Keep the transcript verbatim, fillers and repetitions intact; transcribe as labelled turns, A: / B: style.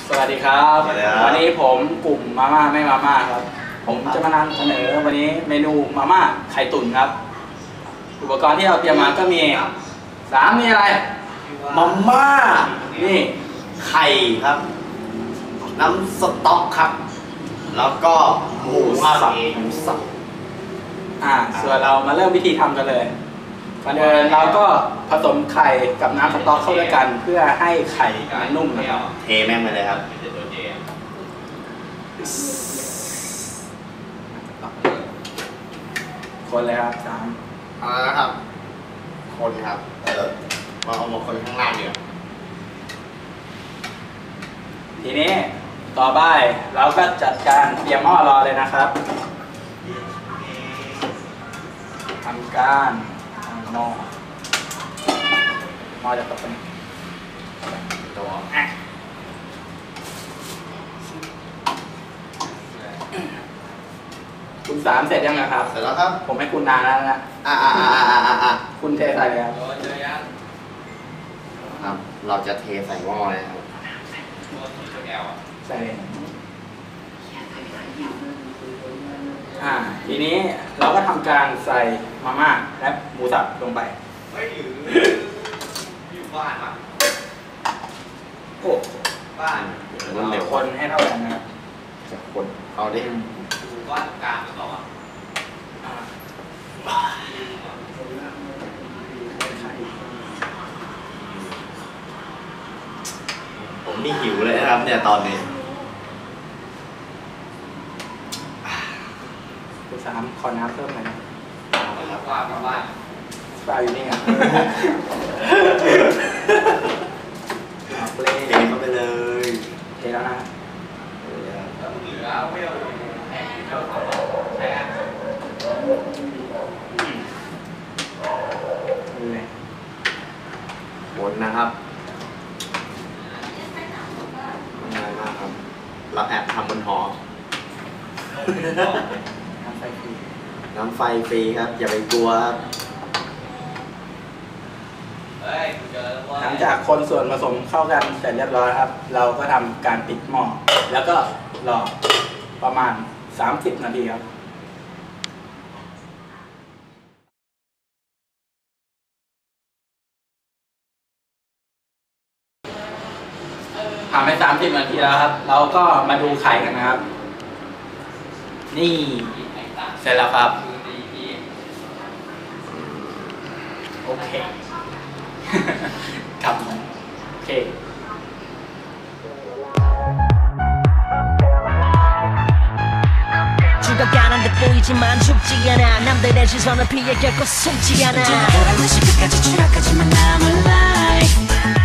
A: สวัสดีครับวันนี้ผมกลุ่มมาม่าไม่มาม่าครับผมจะมานำเสนอวันนี้เมนูมาม่าไข่ตุ๋นครับอุปกรณ์ที่เราเตรียมมาก็มีสามมีอะไร
B: มาม่า
A: นี่
B: ไข่ครับน้ำสต๊อกครับแล้วก็หมูสับหมูสับ
A: อ่าส่วนเรามาเริ่มวิธีทำกันเลยก่อนอื่นเราก็ผสมไข่กับน้ำสต๊อกเข้าด้วยกันเพื่อให้ไข่นุ่มนะครับ
B: เทแม่งไปเลยครับ
A: คนเลยครับสาม
B: เอาละครับคนครับเออมาเอามาคนข้างล่างเดียว
A: ทีนี้ต่อไปเราก็จัดการเตรียมหม้อรอเลยนะครับทำการตั้งหม้อหม้อจะตกเป็นตัวคุณสามเสร็จยังนะครับ
B: เสร็จแล้วครับ
A: ผมให้คุณนานแล้วนะ
B: อ่าอ่าอ่าอ่าอ่า
A: คุณเทใส่เลยครับ
B: ครับเราจะเทใส่หม้อเลยครับ
A: ใส่เลยอ่าทีนี้เราก็ทำการใส่มาม่าและหมูสับลงไป
C: ไม่หรืออยู่บ้านมั้ง
A: โอ้
C: บ้าน
A: เดี๋ยวคนให้เท่ากันนะครับ
B: จะคนเอาดิ
C: อยู่บ้านกลางหรือเปล่า
B: ผมนี่หิวเลยนะครับเนี่ยตอนนี้
A: คุณสามขอน้ำเพิ่มหน่อย
C: ครับว่ากับบ้าน
A: ปลาอยู่นี่ครับ
B: เทเข้าไปเลย
A: เทแล้วนะ
C: เหลือไม่เอาแห้งที่เราใช้กัน
B: วนนะครับง่ายมากครับเราแอบทำบนหอ
A: น้ำไฟฟรี
B: น้ำไฟฟรีครับอย่าไปกลัวครับ
A: หลังจากคนส่วนผสมเข้ากันเสร็จเรียบร้อยครับ เราก็ทำการปิดหม้อแล้วก็รอประมาณสามสิบนาทีครับผ่านไปสามสิบนาทีแล้วครับเราก็มาดูไข่กันนะครับนี่เสร็จแล้วครับโอเคครับโอเค
D: 죽어가는데보이지만죽지않아남들의시선을피해결코숨지않아